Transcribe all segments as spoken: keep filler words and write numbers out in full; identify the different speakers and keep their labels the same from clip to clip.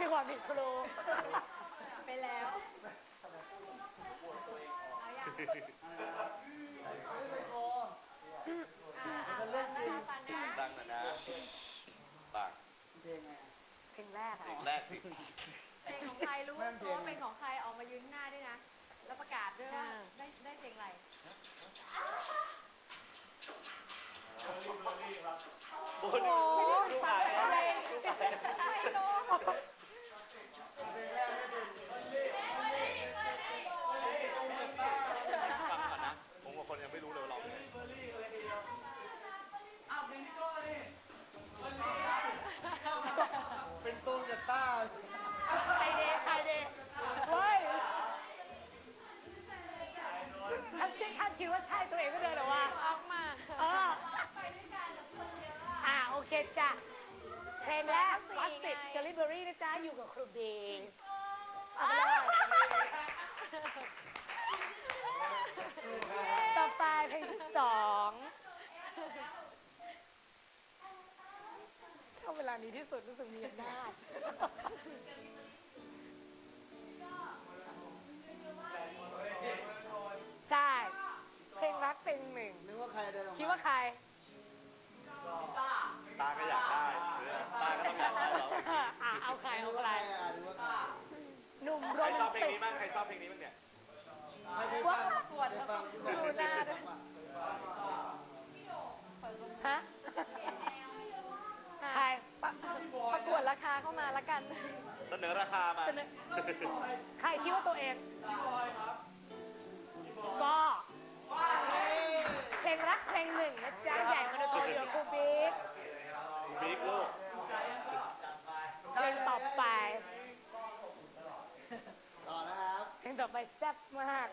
Speaker 1: มีความผิดครู
Speaker 2: ไปแล้วเอาอย่างจะเล่นจริง
Speaker 3: ดังนะนะปาก
Speaker 1: เพลงไงเพลงแรก
Speaker 3: เพลงแรกสิ
Speaker 2: เพลงของใครรู้ตัวเป็นของใครออกมายืนหน้าด้วยนะแล้วประกาศด้วยว่าได้ได้เพลงอะไร
Speaker 3: โอ้โหลูกหายอะไรลูกหาย
Speaker 2: ไม่รู้
Speaker 3: ฟังก่อนนะผมกับคนยังไม่รู้เลยร้องไง
Speaker 4: เป็นตูนกับต้า
Speaker 1: ใครเดใครเดเฮ้ยถ้าคิดถ้าคิดว่าใช่ตัวเองก็เดินหรอวะ
Speaker 2: ออกมา
Speaker 1: เอออ่าโอเคจ้ะเพลงแรกวัสติดเจลลี่เบอรี่นะจ๊ะอยู่กับครูบีเอาไปเลยต่อไปเพลงที่สองชอบเวลานี้ที่สุดรู้สึกมีอำนาจใช่เพลงรักเพลงหนึ่ง
Speaker 4: นึกว่าใครเดินออกมา
Speaker 1: คิดว่าใคร
Speaker 3: ตาตาก็อยากได้ตาก็ต้องอยากได้เรา
Speaker 1: อ่าเอาใครเอาใครหนุ่มโร
Speaker 3: ใคร
Speaker 1: แม
Speaker 3: ชอบ
Speaker 1: น
Speaker 3: เพลง
Speaker 1: ติก
Speaker 3: นี้บ้างใครชอบเพลงนี้บ้างเนี่ย
Speaker 1: ว่าประกวดดูหน้าด้วยฮะใคร
Speaker 2: ประกวดราคาเข้ามาละกัน
Speaker 3: เสนอราคามา
Speaker 1: ใครคิดว่าตัวเองก็เพลงรักเพลงหนึ่งนะจ๊ะใหญ่มาโดยตัวเดียวครูบิ๊ก
Speaker 3: บิ๊กลูก
Speaker 1: เพลงต่อไป
Speaker 4: ต่อนะครับ
Speaker 1: เพลงต่อไปแซ่บมาก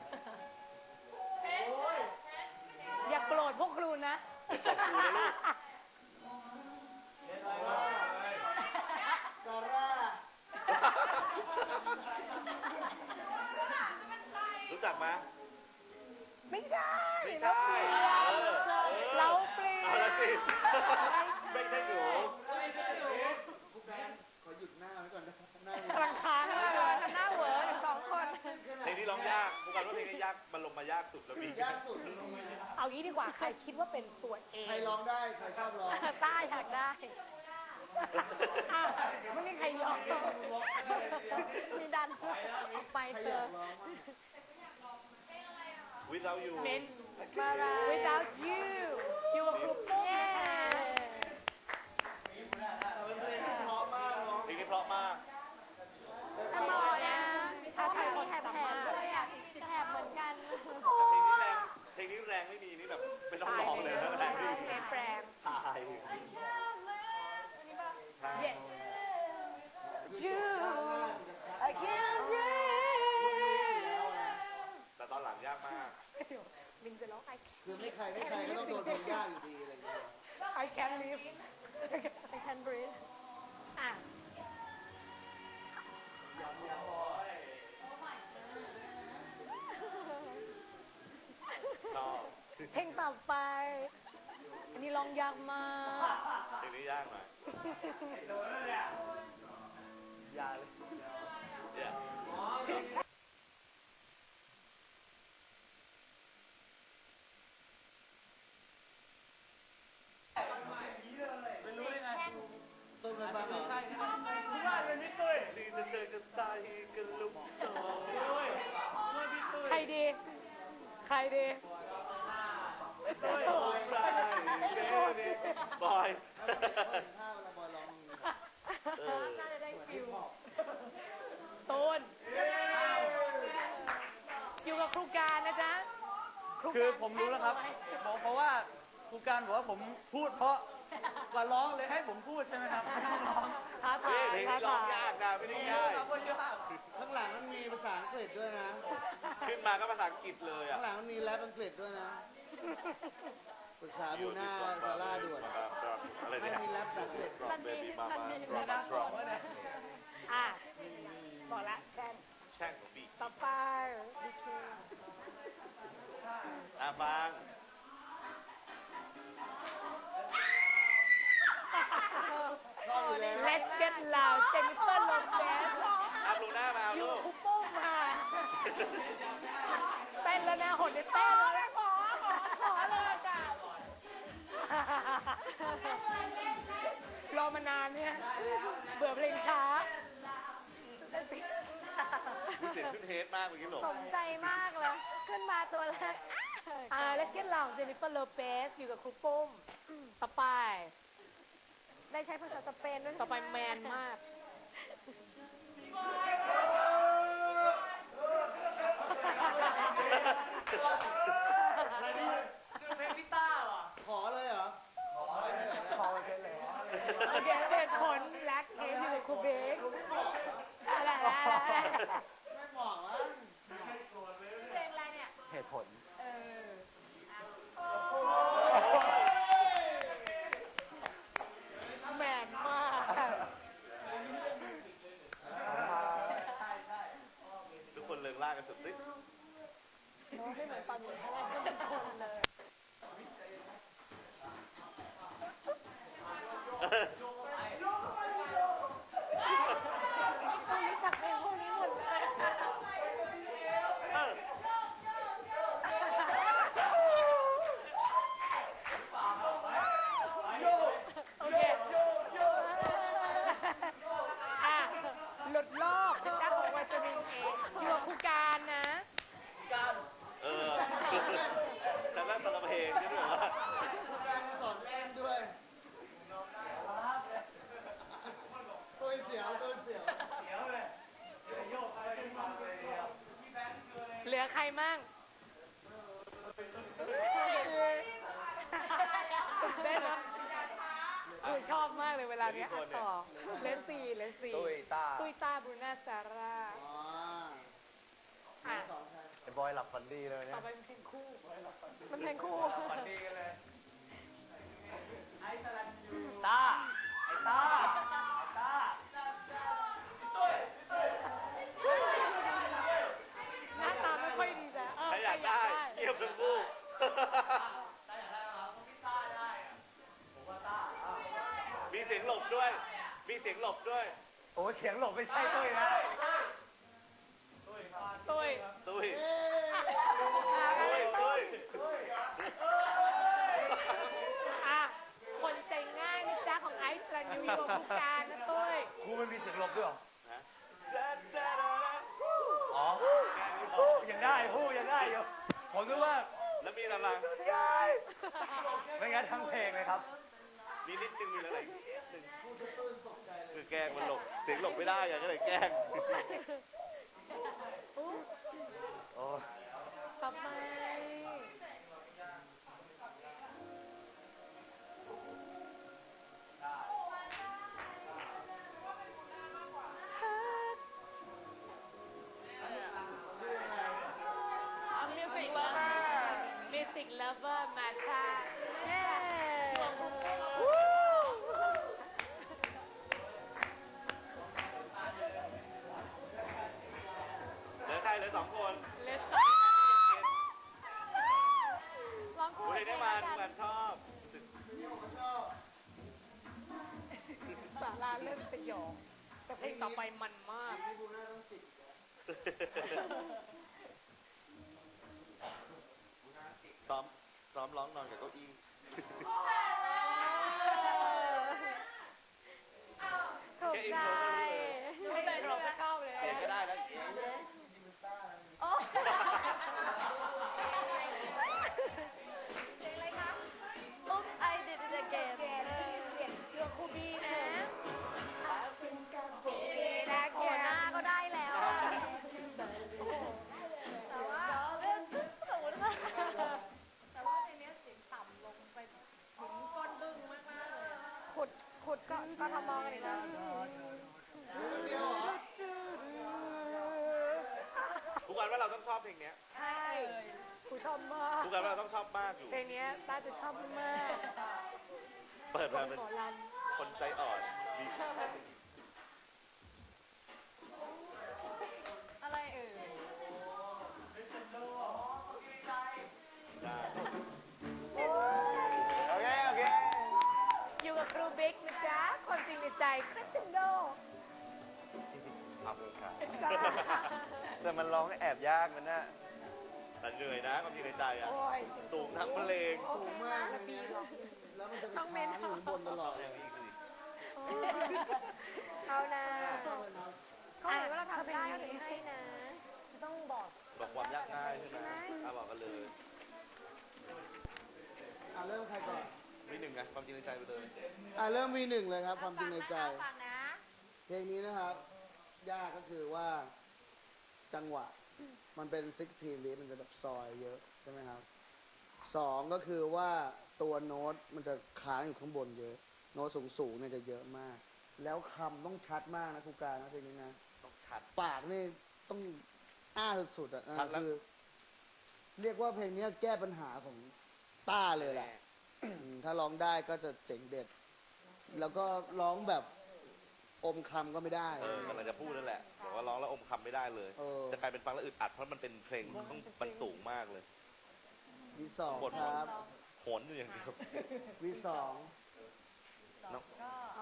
Speaker 1: อย่าโกรธพวกครูนะ
Speaker 4: ซาร่า
Speaker 3: รู้จักไหม
Speaker 1: ไม่ใช่
Speaker 3: ไม่ใช่
Speaker 1: เราเปลี่ยน
Speaker 3: เอาละสิไม่ใช่หนู
Speaker 4: ขอหยุดหน้าไว้ก่อนนะหน้
Speaker 1: ากำลังค้าง
Speaker 2: เลยทำหน้าเหวอร์สองคน
Speaker 3: เพลงนี้ร้องยากพวกกันว่าเพลงนี้ยากมันลงมายากสุดแล้วมี
Speaker 4: ยากสุด
Speaker 1: เอางี้ดีกว่าใครคิดว่าเป็นตัวเอง
Speaker 4: ใครร้องได้ใครชอบร้อง
Speaker 2: ต้าอยากได้
Speaker 1: ไม่มีใครยอม
Speaker 2: มีดันออกไปเธอ
Speaker 3: Without You
Speaker 1: Without You อยู่กับครูปุ้ม
Speaker 3: เพลงนี้เพราะมาก
Speaker 2: ทำไมอ่ะถ้าใครมีแถบแถบด้วยอ่ะแถบเหมือนกัน
Speaker 3: เพลงนี้แรงเพลงนี้แรงไม่มีนี่แบบไม่ต้องร้องเลยนะแรงไม่มี
Speaker 1: แรง
Speaker 3: ตาย
Speaker 1: Yes You I can't breathe
Speaker 3: แต่ตอนหลังยากมาก
Speaker 1: มินจะร้อง I
Speaker 4: คือไม่ใครไม่ใครก็ต้องโดนเพลงยากอยู่ดีอะไรอย่างเงี้ย
Speaker 1: I can't live I can't breathe อ่ะเพลงต่อไปอันนี้ร้องยากมาก
Speaker 3: เพลงนี้ยากหน่อยยากเลย
Speaker 4: ต้นเคยฟังเหรอ
Speaker 1: ใครดีใครดี
Speaker 3: บอย
Speaker 2: น่าจะได้ฟิว
Speaker 1: ตูนอยู่กับครูการนะจ๊ะ
Speaker 5: คือผมรู้แล้วครับเพราะว่าครูการบอกว่าผมพูดเพราะกว่าร้องเลยให้ผมพูดใช่ไหมครับไม่ต้องร้อง
Speaker 1: ท้าทาย
Speaker 3: ท้าทายยากนะไม่ได้ง่าย
Speaker 4: ข้างหลังมันมีภาษาอังกฤษด้วยนะ
Speaker 3: ขึ้นมาก็ภาษาอังกฤษเลยอ่ะ
Speaker 4: ข้างหลังมันมีแรปอังกฤษด้วยนะปรึกษาบูน่าซาร่าด่วนไม่มีแรปภาษาอังกฤษ
Speaker 2: มันมีมันมีมีน่าสองเลย
Speaker 1: อ่ะบอกละแช่ง
Speaker 3: แช่งของบี
Speaker 1: ต่อไป
Speaker 3: อ่ะฟัง
Speaker 1: Let's get loud เจนนิเฟอร์โลเต้นแล้วนะหดเนี่ยเต้นแล้วนะขอขอขอเลยจ้ะรอมานานเนี่ยเบื่อเพลงช้า
Speaker 3: มีเสียงขึ้นเทสมากเมื่อกี้หลง
Speaker 2: สมใจมากเลย ขึ้นมาตัวแรก
Speaker 1: อ่าเลสเกนหลองเจนิเฟอร์โลเปสอยู่กับครูปุ้มต่อไป
Speaker 2: ได้ใช้ภาษาสเปนด้วย
Speaker 1: ต่อไปแมนมาก
Speaker 4: อะไรนี่
Speaker 5: เพลงพี่ต้าว่ะ
Speaker 4: ขอเลยเหรอ ขอเลยเหรอ
Speaker 5: ขอเพลงเลย
Speaker 1: โอเคเหตุผลแบล็คเคสอยู่กับครูเบกอะไรอะไร
Speaker 4: ไม่เหมาะมั้ง
Speaker 2: เพลงอะไรเนี่ย
Speaker 5: เหตุผล
Speaker 2: เออ
Speaker 1: แมนมาก
Speaker 3: ทุกคนเลิงล่ากันสุดสิ
Speaker 1: ไม่เหมือนตอนนี้ทั้งนั้นทุกคนเลยต้องรู้จักเพลงพวกนี้หมดเลย
Speaker 3: เออ
Speaker 1: โอเคอ่ะหลุดโลกเป็นจ้าของวัจรินเองอยู่กับครูการนะ
Speaker 3: เออแต่แม่งคนละเพลงนี่ด้วยเหรอวะ
Speaker 4: การสอนเต้นด้วยตัวเสียวตัวเสียว
Speaker 1: เหลือใครมั่งเต้นนะคือชอบมากเลยเวลาเนี้ยอ่ะต่อเลนซีเลนซี
Speaker 5: ตุ้ยต้า
Speaker 1: ตุ้ยตาบรูน่าซาร่า
Speaker 4: อ๋อ
Speaker 1: อ่ะ
Speaker 4: สอนใคร
Speaker 5: ไอ้บอยหลับฝันดีเลยเนี่
Speaker 1: ต่อย ไปเป็นเพลงคู่มันเพลงคู่
Speaker 5: ฝันดีกันเลยต้าไอ้ต้าไอ้ต้า
Speaker 1: หน้าตาไม่ค่อยดีจ้ะเออ
Speaker 3: ถ้าอยากได้เงียบทั้งคู่ มีเสียงหลบด้วย มีเสียงหลบด้วย
Speaker 5: โอ้ยเสียงหลบไม่ใช่ตุ้ยนะ
Speaker 1: ตุ้ย
Speaker 3: ตุ้ย
Speaker 4: เอ๊ะ
Speaker 3: ตุ้ยตุ้ย
Speaker 1: อ่ะคนใจง่ายนะจ๊ะของไอซ์ลันยูกับผู้การนะตุ้ย
Speaker 5: ครูไม่มีเสียงหลบด้วยเหรอ
Speaker 3: ฮะจ๊ะจ๊ะจ๊ะจ๊ะ
Speaker 5: อ๋อ
Speaker 3: แค่นี้พอ
Speaker 5: ยังได้พูดยังได้อยู่ผมคิดว่า
Speaker 3: แล้วมีอะไร
Speaker 5: ไม่งั้นทั้งเพลงเลยครับ
Speaker 3: มีนิดนึงมีอะไรอีกนิดนึงคือแกล้งมันหลบ เสียงหลบไม่ได้ไงก็เลยแกล้ง
Speaker 5: โอ้
Speaker 1: ต่อไป Music Lover Music Lover มาชา
Speaker 2: เย้
Speaker 3: เหลือใครเหลือสองคน
Speaker 1: เลส
Speaker 2: ร้องคู่
Speaker 3: คุณ
Speaker 2: กั
Speaker 3: เลย
Speaker 2: น
Speaker 3: ได้
Speaker 2: เอง
Speaker 3: มา
Speaker 2: แล้ว
Speaker 3: ทุก
Speaker 2: กั
Speaker 3: วัน นชอบรู้สึก
Speaker 1: สาราเล่นสยองแต่เพลงต่อไปมันมาก
Speaker 4: พี่บูน่าต้องจิก
Speaker 3: ซ้อม ซ้อมร้องนอนกับเก้าอี้
Speaker 2: ถูก
Speaker 3: แค่อิน
Speaker 2: ใจ
Speaker 3: โทรก็รู้เลย
Speaker 1: ไม่ได้รอก็เข้าเลย
Speaker 3: เขียนก็ได้แล้ว
Speaker 2: โอ้เพลงอะไรคะ Oops I did it again
Speaker 1: เสียงเรือคูบีนะ
Speaker 2: โอ้หน้าก็ได้แล้วอะแต่ว่าเริ่มสูงมากแต่ว่าเพลงนี้เสียงต่ำลงไปถึงก้นบึ้งมากๆเลยอะขุดขุดก็ก็ทำมองกันอีกแล้ว
Speaker 4: เดียวเหรอ
Speaker 3: ทุกวันว่าเราต้องชอบเพลงเนี้ย
Speaker 1: ใช่กูชอบมาก
Speaker 3: ทุกวันว่าเราต้องชอบมากอยู่
Speaker 1: เพลงนี้ต้าจะชอบมาก
Speaker 3: เปิดมา
Speaker 1: เป็
Speaker 3: เป็น น
Speaker 1: หมอรัน
Speaker 3: คนใจอ่อนมี
Speaker 2: อะไรเอ่ย
Speaker 3: ได้
Speaker 5: โอเค โอเค
Speaker 1: อยู่กับครูบิ๊กนะจ๊ะความจริงในใจคริสตินโด
Speaker 3: ขอบคุณครับ
Speaker 1: จ้า
Speaker 5: ส
Speaker 3: แต่มันร้องแอบยากมันน่ะแต่เหนื่อยนะความจริงในใจอ่ะ
Speaker 1: โอ้ย
Speaker 3: สูงทั้งเพลง
Speaker 4: สูงมากเลยนะแล้วมันจะไปค้างอยู่บนตลอด
Speaker 3: อย่างนี้คือ
Speaker 2: เอานะ
Speaker 1: อ่ะ
Speaker 2: เขาเห็นว่าเราทำได้เขาถึงให้นะ
Speaker 1: ต้องบอก
Speaker 3: บอกความยากง่ายใช่ไหมอ่ะบอกกันเลย
Speaker 4: อ่ะเริ่มใครก่อน
Speaker 3: มีหนึ่งไงความจริงในใจไปเลย
Speaker 4: อ่ะเริ่มวีหนึ่งเลยครับ ความจริงในใจ
Speaker 2: ฟังนะ
Speaker 4: เพลงนี้นะครับ ยากก็คือว่าจังหวะ มันเป็นสิบหก beat มันจะแบบซอยเยอะใช่ไหมครับสองก็คือว่าตัวโน้ตมันจะค้างอยู่ข้างบนเยอะ โน้ตสูงๆเนี่ยจะเยอะมาก แล้วคำต้องชัดมากนะครูการนะเพลงนี้นะ
Speaker 3: ต้องชัด
Speaker 4: ปากนี่ต้องอ้าสุดๆอ่ะ
Speaker 3: ชัดแล้ว
Speaker 4: คือ เรียกว่าเพลงนี้แก้ปัญหาของต้าเลยแหละ อืมถ้าร้องได้ก็จะเจ๋งเด็ด แล้วก็ร้องแบบอมคำก็ไม่ได้
Speaker 3: เออกำลังจะพูดนั่นแหละบอกว่าร้องแล้วอมคำไม่ได้เลย
Speaker 4: เออ
Speaker 3: จะกลายเป็นฟังแล้วอึดอัดเพราะมันเป็นเพลงต้องมันสูงมากเลย
Speaker 4: วีสอง
Speaker 3: บท
Speaker 4: ครับ
Speaker 3: โหนอยู่อย่างเดียว
Speaker 4: วีสอง
Speaker 3: น้อง
Speaker 2: ก็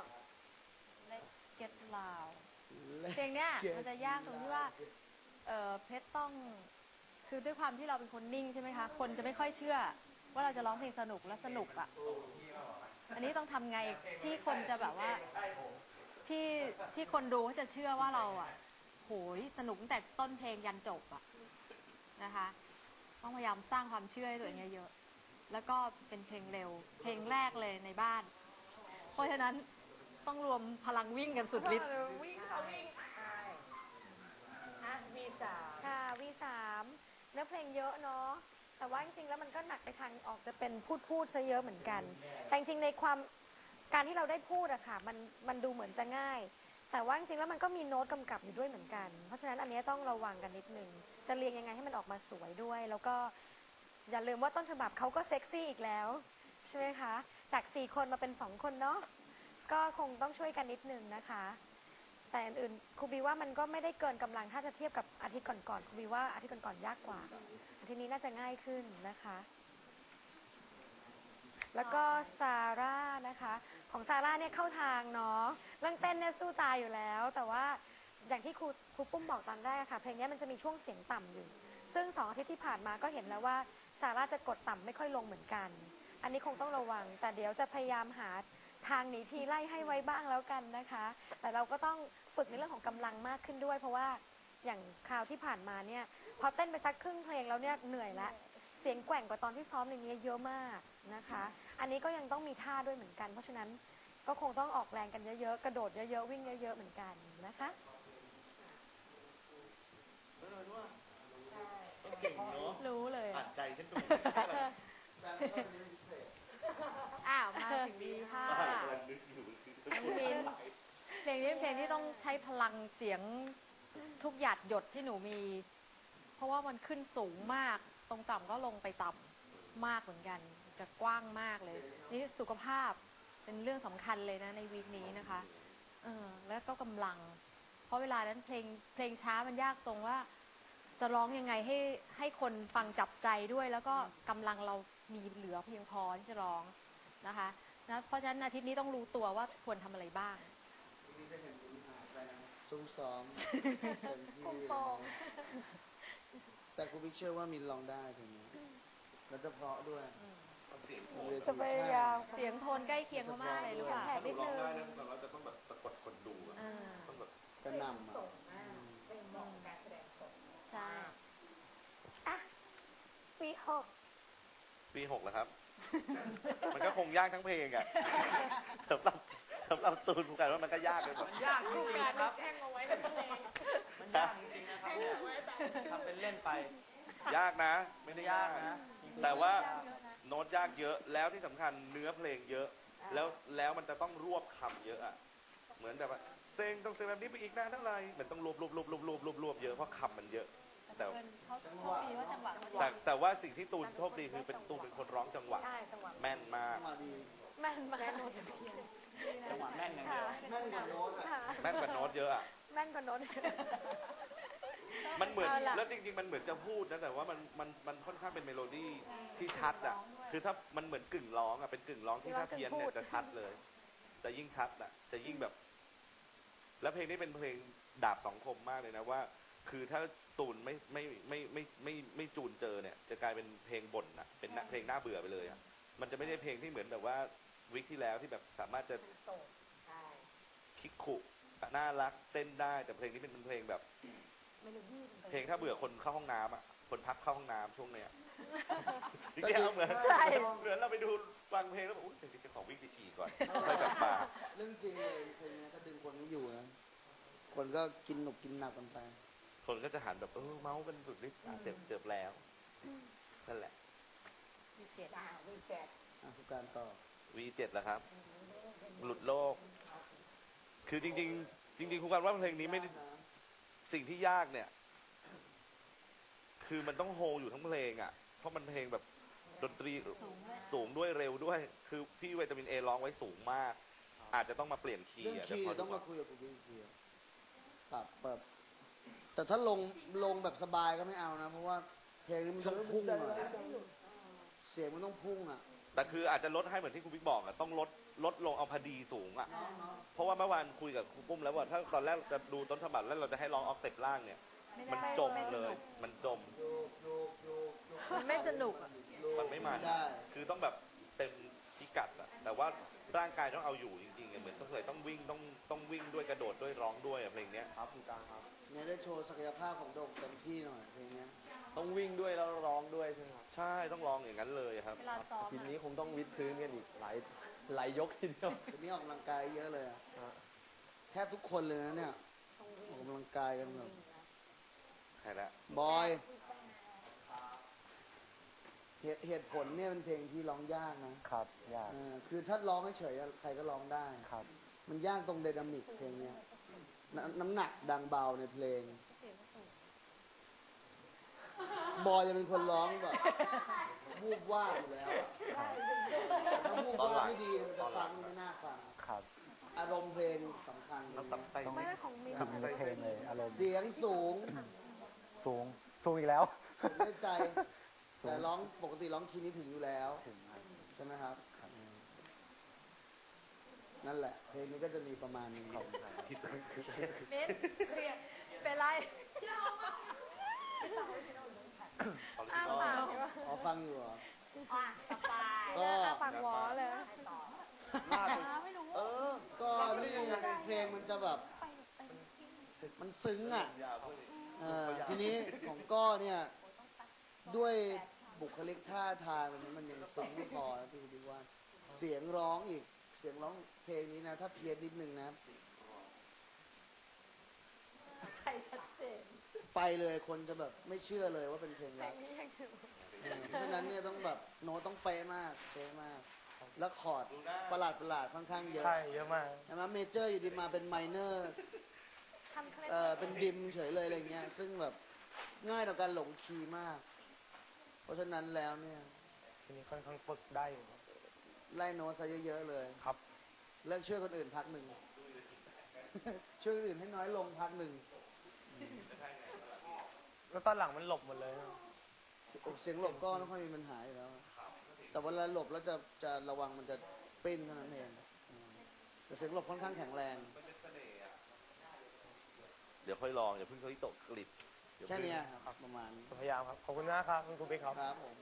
Speaker 2: Let's Get Loud เพลงเนี้ยมันจะยากตรงที่ว่า เออเพชรต้อง คือด้วยความที่เราเป็นคนนิ่งใช่ไหมคะ คนจะไม่ค่อยเชื่อ ว่าเราจะร้องเพลงสนุกและสนุกอ่ะ อันนี้ต้องทำไงที่คนจะแบบว่า ที่ที่คนดูเขาจะเชื่อว่าเราอ่ะโหยสนุกตั้งแต่ต้นเพลงยันจบอ่ะนะคะ ต้องพยายามสร้างความเชื่อให้ตัวเองเยอะๆแล้วก็เป็นเพลงเร็ว เพลงแรกเลยในบ้าน เพราะฉะนั้นต้องรวมพลังวิ่งกันสุดฤทธิ์
Speaker 1: วิ่งเขาวิ่งใช่อ่ะวีสาม
Speaker 2: ค่ะวีสามเนื้อเพลงเยอะเนาะแต่ว่าจริงๆแล้วมันก็หนักไปทางออกจะเป็นพูดพูดซะเยอะเหมือนกัน แต่จริงๆในความการที่เราได้พูดอะค่ะมันมันดูเหมือนจะง่าย แต่ว่าจริงๆแล้วมันก็มีโน้ตกำกับอยู่ด้วยเหมือนกัน เพราะฉะนั้นอันนี้ต้องระวังกันนิดนึงจะเรียงยังไงให้มันออกมาสวยด้วย แล้วก็อย่าลืมว่าต้นฉบับเขาก็เซ็กซี่อีกแล้วใช่ไหมคะจากสี่คนมาเป็นสองคนเนาะก็คงต้องช่วยกันนิดนึงนะคะ แต่อื่นๆครูบีว่ามันก็ไม่ได้เกินกำลังถ้าจะเทียบกับอาทิตย์ก่อนๆครูบีว่าอาทิตย์ก่อนๆยากกว่า อาทิตย์นี้น่าจะง่ายขึ้นนะคะ แล้วก็ซาร่านะคะ ของซาร่าเนี่ยเข้าทางเนาะเรื่องเต้นเนี่ยสู้ตายอยู่แล้ว แต่ว่าอย่างที่ครูครูปุ้มบอกตอนแรกค่ะเพลงนี้มันจะมีช่วงเสียงต่ำอยู่ ซึ่งสองอาทิตย์ที่ผ่านมาก็เห็นแล้วว่าซาร่าจะกดต่ำไม่ค่อยลงเหมือนกัน อันนี้คงต้องระวัง แต่เดี๋ยวจะพยายามหาทางหนีทีไล่ให้ไว้บ้างแล้วกันนะคะ แต่เราก็ต้องฝึกในเรื่องของกำลังมากขึ้นด้วย เพราะว่าอย่างคราวที่ผ่านมาเนี่ยพอเต้นไปสักครึ่งเพลงแล้วเนี่ยเหนื่อยละเสียงแกว่งกว่าตอนที่ซ้อมในนี้เยอะมากนะคะ อันนี้ก็ยังต้องมีท่าด้วยเหมือนกัน เพราะฉะนั้นก็คงต้องออกแรงกันเยอะๆกระโดดเยอะๆวิ่งเยอะๆเหมือนกันนะคะ
Speaker 3: เก่งเนาะ
Speaker 2: รู้เลย
Speaker 3: อ่านใจฉันดู
Speaker 2: อ้าวมาถึงดีค่ะ
Speaker 3: กำลังนึกอยู่
Speaker 2: น้องมิ้นเพลงนี้เป็นเพลงที่ต้องใช้พลังเสียงทุกหยาดหยดที่หนูมี เพราะว่ามันขึ้นสูงมาก ตรงต่ำก็ลงไปต่ำมากเหมือนกัน จะกว้างมากเลย นี่สุขภาพเป็นเรื่องสำคัญเลยนะในวีคนี้นะคะเออแล้วก็กำลัง เพราะเวลานั้นเพลงเพลงช้ามันยากตรงว่า จะร้องยังไงให้ให้คนฟังจับใจด้วย แล้วก็กำลังเรามีเหลือเพียงพอที่จะร้องนะคะนะเพราะฉะนั้นอาทิตย์นี้ต้องรู้ตัวว่าควรทำอะไรบ้าง
Speaker 4: ซุ้มซ้อมเต็มที่เลยแต่ครูบิ๊กเชื่อว่ามินลองได้เพลงนี้แล้วจะเพราะด้วย
Speaker 2: จะพยายามเสียงโทนใกล้เคียงเขามากเลยหรือเปล่า
Speaker 3: ถ้าหนูร้องได้นะแต่เราจะต้องแบบสะกดคนดูอะ
Speaker 2: อ่า
Speaker 3: ต้องแบบ
Speaker 4: กระหนำอ่ะ
Speaker 1: ส่งมากเป็นเหมาะกับการแสดงสด
Speaker 2: ใช่
Speaker 1: อ่ะวีหก
Speaker 3: ปีหกแล้วครับ มันก็คงยากทั้งเพลงอะสำหรับสำหรับตูนผู้กันว่ามันก็ยากเลยแบบ
Speaker 5: มันยากจ
Speaker 1: คู่
Speaker 5: ริง
Speaker 1: การ
Speaker 5: ๆครับ
Speaker 1: แช่งเอาไว้ในเพลง
Speaker 5: มันยากจริงๆนะครับเนี่ยทำเป็นเล่นไป
Speaker 3: ยากนะ ไม่ได้ยาก
Speaker 5: ยากนะ
Speaker 3: แต่ว่าโน้ตยากเยอะ แล้วที่สำคัญเนื้อเพลงเยอะ แล้วแล้วมันจะต้องรวบคำเยอะอะเหมือนแบบว่าเซ็งต้องเซ็งแบบนี้ไปอีกนานเท่าไหร่เหมือนต้องรวบรวบรวบรวบรวบรวบรวบเยอะเพราะคำมันเยอะ แต่
Speaker 2: เขาโชคดีว่าจังหวะมัน
Speaker 3: แต่แต่ว่าสิ่งที่ตูนโชคดีคือเป็นตูนเป็นคนร้องจังหวะ
Speaker 1: ใช่จังหวะ
Speaker 3: แม่นมาก
Speaker 4: จังหวะดี
Speaker 2: แม่นมาก
Speaker 1: แม่โน้ตจะเพียน
Speaker 5: จังหวะแน่นอย่างเดียว
Speaker 4: แม่นกว่าโน้ตอ่ะ
Speaker 2: ค่ะ
Speaker 3: แม่นกว่าโน้ตเยอะอะ
Speaker 2: แม่นกว่าโน้ต
Speaker 3: มันเหมือน
Speaker 2: เอาล่ะ
Speaker 3: แล้วจริงๆมันเหมือนจะพูดนะแต่ว่ามันมันมันค่อนข้างเป็นเมโลดี้ที่ชัดอะคือถ้ามันเหมือนกึ่งร้องอะเป็นกึ่งร้องที่ถ้าเพี้ยนเนี่ยจะชัดเลยจะยิ่งชัดอะจะยิ่งแบบ แล้วเพลงนี้เป็นเพลงดาบสองคมมากเลยนะว่าคือถ้าตูนไม่ไม่ไม่ไม่ไม่ไม่จูนเจอเนี่ยจะกลายเป็นเพลงบ่นอะเป็นเพลงน่าเบื่อไปเลยอะมันจะไม่ได้เพลงที่เหมือนแบบว่าวิกที่แล้วที่แบบสามารถจะ
Speaker 1: โสดใช่
Speaker 3: คิกคุน่ารักเต้นได้แต่เพลงนี้เป็นเพลงแบบ
Speaker 1: เมโลดี้
Speaker 3: เพลงถ้าเบื่อคนเข้าห้องน้ำอ่ะคนพักเข้าห้องน้ำช่วงเนี้ยจริงๆเหมือน
Speaker 1: ใช่
Speaker 3: เหมือนเราไปดูฟังเพลงแล้วแบบอุ้ยเดี๋ยวจะขอวิ่งไปฉี่ก่อนค่อยกลับมา
Speaker 4: เรื่องจริงเลยเพลงนี้ถ้าดึงคนไม่อยู่นะคนก็กินหนุกกินหนักกันไป
Speaker 3: คนก็จะหันแบบเออเมาส์กันสุดฤทธิ์อ่ะเจ็บเจ็บแล้วนั่นแหละ
Speaker 1: วีเจ็ดอ่ะวีเจ็ด
Speaker 4: อ่ะผู้การต่อ
Speaker 3: วีเจ็ดแล้วครับ หลุดโลก คือจริง ๆ จริงๆคุณการว่าเพลงนี้ไม่ได้สิ่งที่ยากเนี่ย คือมันต้องโฮอยู่ทั้งเพลงอ่ะ เพราะมันเพลงแบบดนตรีสูงด้วยเร็วด้วย คือพี่วิตามินเอร้องไว้สูงมาก อาจจะต้องมาเปลี่ยนคี
Speaker 4: เรื่อง
Speaker 3: ย์อะ
Speaker 4: คีย์
Speaker 3: เดี๋ยวพ
Speaker 4: ต้อง
Speaker 3: ดู
Speaker 4: มาคุยกับกูพี่คีย์ปรับเปิดแต่ถ้าลงลงแบบสบายก็ไม่เอานะ เพราะว่าเพลงนี้มันต้องพุ่งอะเสียงมันต้องพุ่งอ่ะ
Speaker 3: แต่คืออาจจะลดให้เหมือนที่คุณบิ๊กบอกอะต้องลดลดลงเอาพอดีสูงอะเพราะว่าเมื่อวานคุยกับครูปุ้มแล้วว่าถ้าตอนแรกจะดูต้นฉบับแล้วเราจะให้ร้องออกเต็ปล่างเนี่ย มันจมเลย มันจม
Speaker 1: มันไม่สนุกอ่ะ
Speaker 3: มันไม่มัน
Speaker 4: ได้
Speaker 3: คือต้องแบบเต็มพิกัดอะแต่ว่าร่างกายต้องเอาอยู่จริงๆอะเหมือนต้องเคยต้องวิ่งต้องต้องวิ่งด้วยกระโดดด้วยร้องด้วยอะเพลงเนี้ย
Speaker 5: ครับคุณการครับ
Speaker 4: เนี่ยได้โชว์ศักยภาพของโด่งเต็มที่หน่อยเพลงเนี้ย
Speaker 5: ต้องวิ่งด้วยแล้วร้องด้วยใช่ไหมครับ
Speaker 3: ใช่ต้องร้องอย่างนั้นเลยครับ
Speaker 1: เวลาซ้อม
Speaker 5: ทีนี้คงต้องวิดพื้นกันอีกหลายหลายยกทีเดียว
Speaker 4: ทีนี้ออกกำลังกายเยอะเลยอะ
Speaker 5: ฮะ
Speaker 4: แทบทุกคนเลยนะเนี่ยออกกำลังกายกันแบบ
Speaker 3: ใช่แล้ว
Speaker 4: บอยเหตุเหตุผลเนี่ยเป็นเพลงที่ร้องยากนะครับ
Speaker 5: ยาก
Speaker 4: เออคือถ้าร้องเฉยๆอะใครก็ร้องได้
Speaker 5: ครับ
Speaker 4: มันยากตรงไดนามิกเพลงเนี้ยนน้ำหนักดังเบาในเพลง บอยจะเป็นคนร้องแบบวูบว่าบอยู่แล้วอะถ้าวูบว่าบไม่ดีมันจะฟังไม่น่าฟัง
Speaker 5: ครับ
Speaker 4: อารมณ์เพลงสำคัญ
Speaker 3: ต้องตับไต
Speaker 2: ไม่ได้ของมิน
Speaker 5: ถึงในเพลงเลยอารมณ์
Speaker 4: เสียงสูง
Speaker 5: สูงสูงอีกแล้ว
Speaker 4: ถึงได้ใจ แต่ร้องปกติร้องคีย์นี้ถึงอยู่แล้ว
Speaker 5: ถึงครับ
Speaker 4: ใช่ไหมครับ นั่นแหละ เพลงนี้ก็จะมีประมาณนี้
Speaker 1: มิดเป็นไร อ้าวฟัง
Speaker 4: อ๋อฟังอยู่เหรอ
Speaker 1: อ่ะสบาย
Speaker 4: ก็
Speaker 2: หน้าปากหวอเลย
Speaker 1: ต่อ
Speaker 2: ไม่รู้
Speaker 3: เออ
Speaker 4: ก็นี่เพลงมันจะแบบ มันซึ้งอ่ะเออทีนี้ของก้อเนี่ย ด้วยบุคลิกท่าทางมันมันยังซึ้งไม่พอนะที่คุณบิ๊กว่า เสียงร้องอีก เสียงร้องเพลงนี้นะ ถ้าเพี้ยนนิดนึงนะ
Speaker 1: ใครชัดเจน
Speaker 4: ไปเลยคนจะแบบไม่เชื่อเลยว่าเป็นเพลงรัก
Speaker 2: นี่ยังอยู่
Speaker 4: เออเพราะฉะนั้นเนี่ยต้องแบบโน้ตต้องเป๊ะมากเป๊ะมาก แล้วคอร์ดประหลาดประหลาดค่อนข้างเยอะ
Speaker 5: ใช่เยอะมาก
Speaker 4: ใช่ไหมเมเจอร์อยู่ดีมาเป็นไมเนอร์
Speaker 2: ทำเคล็ด
Speaker 4: เออเป็นดิมเฉยเลยอะไรเงี้ย ซึ่งแบบง่ายต่อการหลงคีย์มาก เพราะฉะนั้นแล้วเนี่ย
Speaker 5: ทีนี้ค่อนข้างฝึกได้อยู่
Speaker 4: ไล่โน้ตซะเยอะๆเลย
Speaker 5: ครับ
Speaker 4: เลิกช่วยคนอื่นพักหนึ่ง ช่วยคนอื่นให้น้อยลงพักหนึ่ง
Speaker 5: แล้วตอนหลังมันหลบหมดเลยนะ
Speaker 4: เสียเสียงหลบก็ไม่ค่อยมีปัญหาอยู่แล้ว แต่เวลาหลบแล้วจะจะระวังมันจะปิ้นเท่านั้นเองอืมแต่เสียงหลบค่อนข้างแข็งแรง
Speaker 3: เดี๋ยวค่อยลองอย่าเพิ่งเขาที่ตกกลิบเดี๋ยว
Speaker 4: แค่
Speaker 3: เพิ่ง
Speaker 4: เนี้ยครับประมาณ
Speaker 5: พยายามครับ ขอบคุณมากครับคุณครูบิ๊กครับ
Speaker 4: ครับผม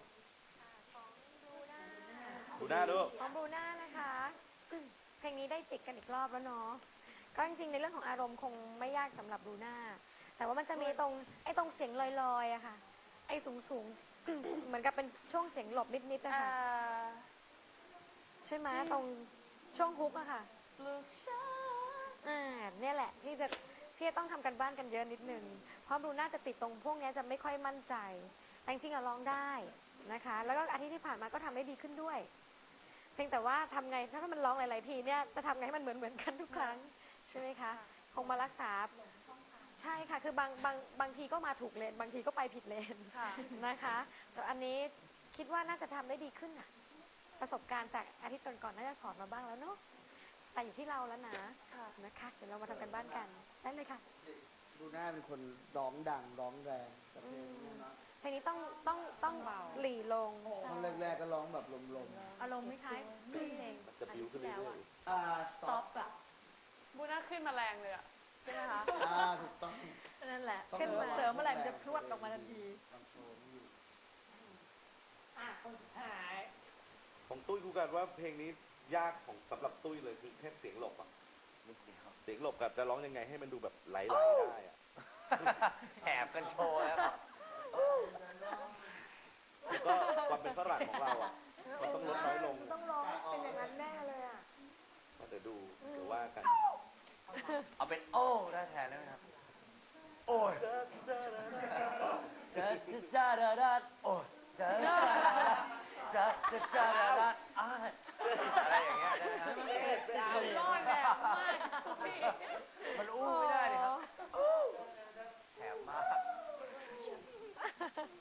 Speaker 3: ดูหน้าดู
Speaker 2: ของบรูน่านะคะ เพลงนี้ได้จิกกันอีกรอบแล้วเนาะ ก็จริงๆในเรื่องของอารมณ์คงไม่ยากสำหรับบรูน่า แต่ว่ามันจะมีตรงไอ้ตรงเสียงลอยๆอะค่ะ ไอ้สูงๆ เหมือนกับเป็นช่วงเสียงหลบนิดๆนะคะใช่ไหมตรงช่วงฮุกอะค่ะ
Speaker 1: ลูกช้า
Speaker 2: อ่าเนี่ยแหละที่จะที่จะต้องทำกันบ้านกันเยอะนิดนึง เพราะบรูน่าจะติดตรงพวกเนี้ยจะไม่ค่อยมั่นใจ แต่จริงๆอะร้องได้นะคะ แล้วก็อาทิตย์ที่ผ่านมาก็ทำได้ดีขึ้นด้วย เพียงแต่ว่าทำไงถ้ามันร้องหลายๆทีเนี่ยจะทำไงให้มันเหมือนเหมือนกันทุกครั้งใช่ไหมคะ คงมารักษาใช่ค่ะ คือบางบางบางทีก็มาถูกเลนบางทีก็ไปผิดเลน
Speaker 1: ค่ะ
Speaker 2: นะคะ แต่อันนี้คิดว่าน่าจะทำได้ดีขึ้นน่ะ ประสบการณ์จากอาทิตย์ก่อนๆน่าจะสอนมาบ้างแล้วเนาะแต่อยู่ที่เราแล้วนะนะคะเดี๋ยวเรามาทำกันบ้านกันได้เลยค่ะ
Speaker 4: ดูหน้าเป็นคนร้องดังร้องแรงแต่เพลงเนี่ยเนาะ
Speaker 2: เพลงนี้ต้องต้องต้องหลีลง
Speaker 4: ตอนแรกๆก็ร้องแบบลม
Speaker 1: อารมณ์คล้ายๆเพลง
Speaker 3: จะบิ้วขึ้นเรื่อย
Speaker 4: ๆอ่าส
Speaker 1: ส
Speaker 4: ต็
Speaker 1: ต็
Speaker 4: อ
Speaker 1: อ
Speaker 4: ป
Speaker 1: ปอะบูน่าขึ้นมาแรงเลยอะใช่ไหมคะ
Speaker 4: อ่าถูกต้อง
Speaker 1: นั่นแหละ
Speaker 4: ต้อง
Speaker 2: ขึ้นมา
Speaker 1: เส
Speaker 2: เมื่อไหร่มันจะพรวดออกมาทันที
Speaker 4: คอนโทรลไม่อยู่
Speaker 1: อ่ะคนสุดท้าย
Speaker 3: ของตุ้ยกูกันว่าเพลงนี้ยากของสำหรับตุ้ยเลยคือแค่เสียงหลบอะ
Speaker 5: นิดเดียว
Speaker 3: เสียงหลบกับจะร้องยังไงให้มันดูแบบไหลๆได้อะ
Speaker 5: แหบกันโชว์แล้วครับ
Speaker 3: แล้วก็ความเป็นฝรั่งของเราอะมันต้องลดน้อยลง
Speaker 2: ต้องร้องเป็นอย่างนั้นแน่เลยอ่ะ
Speaker 3: เดี๋ยวดูเดี๋ยวว่ากัน
Speaker 5: เอาเป็นโอ้ได้แทนได้ไหมครับ โอ้ยจะจะจะดาดาโอ้ยจะจะจะจะดาดาอ้ายอะไรอย่างเงี้ยได้ไหมครับ
Speaker 1: รอดแบบมากพี่
Speaker 5: มันอู้ไม่ได้เลยครับแถบมาก